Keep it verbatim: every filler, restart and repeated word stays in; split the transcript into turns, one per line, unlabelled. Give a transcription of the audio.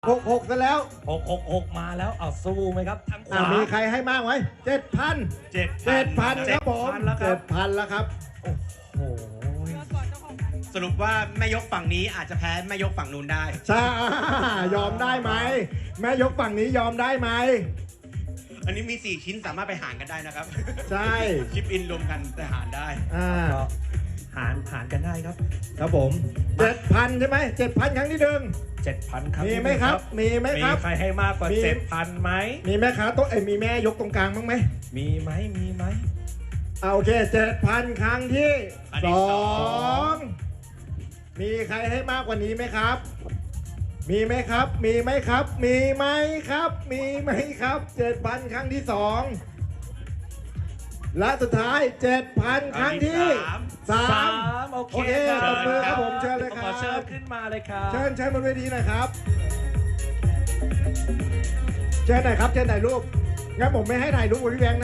หกหกซะแล้ว
หกหกหกมาแล้วเอาสู้ไหมครับทางขวา
มีใครให้มากไหมเจ็ดพัน
เจ็ด
เจ็ดพันครับผม
แล้วค
เจ็
รับ
ดพันแล้วครับ
โอ้โห
สรุปว่าแม่ยกฝั่งนี้อาจจะแพ้แม่ยกฝั่งนู้นได้
ใช่ยอมได้ไหมแม่ยกฝั่งนี้ยอมได้ไหม
อันนี้มีสี่ชิ้นสามารถไปหารกันได้นะครับ
ใช่
ชิปอินรวมกันแต่หารได้
อ่า
ก็หารหารกันได้ครับ
ครับผมเจ็ดพันใช่ไหมเจ็ดพันครั้งที่หนึ่ง
เจ็ดพันครับ
มีไหมครับมีไหม
มี
ครับ
ใครให้มากกว่า
มี
เจ็ดพันไหม
มีแม่ค้าโต๊ะเอ้ยมีแม่ยกตรงกลางบ้างไหม
มีไหมมีไหม
เอาโอเคเจ็ดพันครั้งที่
ครั้งที่
ส
ส
อ
อง
งมีใครให้มากกว่านี้ไหมครับ มีไหมครับ มีไหมครับ มีไหมครับ มีไหมครับเจ็ดพันครั้งที่สองและสุดท้ายเจ็ดพันครั้งที่สา
สาม มโอเค
โอเค
ครับ
ตบมือครับผมเชิญเลยครับ
ขอเชิญขึ้นมาเลยครับ
เชิญเชิญบนเวทีหน่อยครับเชิญหน่อยครับเชิญถ่ายรูปงั้นผมไม่ให้ถ่ายรูปกับพี่แบงค์นะ